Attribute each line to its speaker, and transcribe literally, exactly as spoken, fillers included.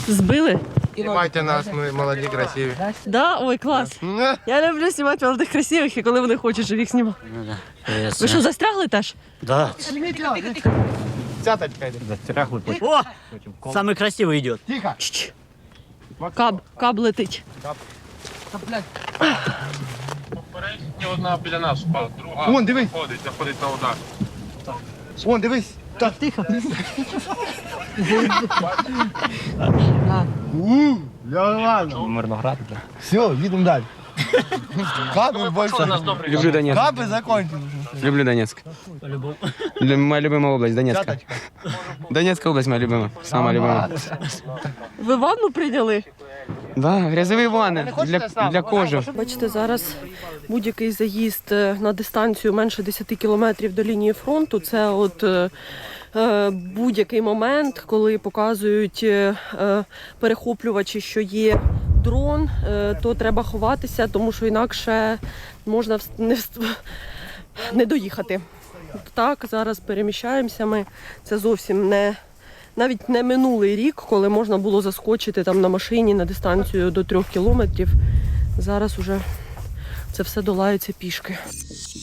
Speaker 1: Збили?
Speaker 2: Знімайте нас, ми молоді, красиві.
Speaker 1: Да? Ой, клас. Я люблю знімати молодих красивих, і коли вони хочуть, щоб їх знімав. Ви що, застрягли теж?
Speaker 3: Да.
Speaker 2: Цяточка йде.
Speaker 3: Застрягли. О! Самый красивый идет.
Speaker 2: Тихо.
Speaker 1: Чш. Каб, каб летить.
Speaker 4: Попередньо одна біля нас впала, друга
Speaker 2: Вон, дивись.
Speaker 4: заходить, заходить на удар.
Speaker 2: Вон, дивись. Так,
Speaker 1: Тихо.
Speaker 2: Ууу, ладно.
Speaker 4: Мирноград.
Speaker 2: Все, їдемо далі. Капи більше.
Speaker 5: Люблю Донецк.
Speaker 2: Капи закончили.
Speaker 5: Люблю Донецк. Лю- Моя любимая область Донецка.
Speaker 2: Цяточка.
Speaker 5: Донецкая область моя любимая. Самая любимая.
Speaker 1: Ви ванну прийняли?
Speaker 5: Да, грязовые ванны для, для кожи.
Speaker 1: Бачите, зараз будь-який заїзд е, на дистанцію менше десяти кілометрів до лінії фронту – це от е, е, будь-який момент, коли показують е, е, перехоплювачі, що є дрон, е, то треба ховатися, тому що інакше можна вс- не, вс- не доїхати. Так, зараз переміщаємося ми. Це зовсім не... Навіть не минулий рік, коли можна було заскочити там на машині на дистанцію до трьох кілометрів. Зараз уже це все долається пішки.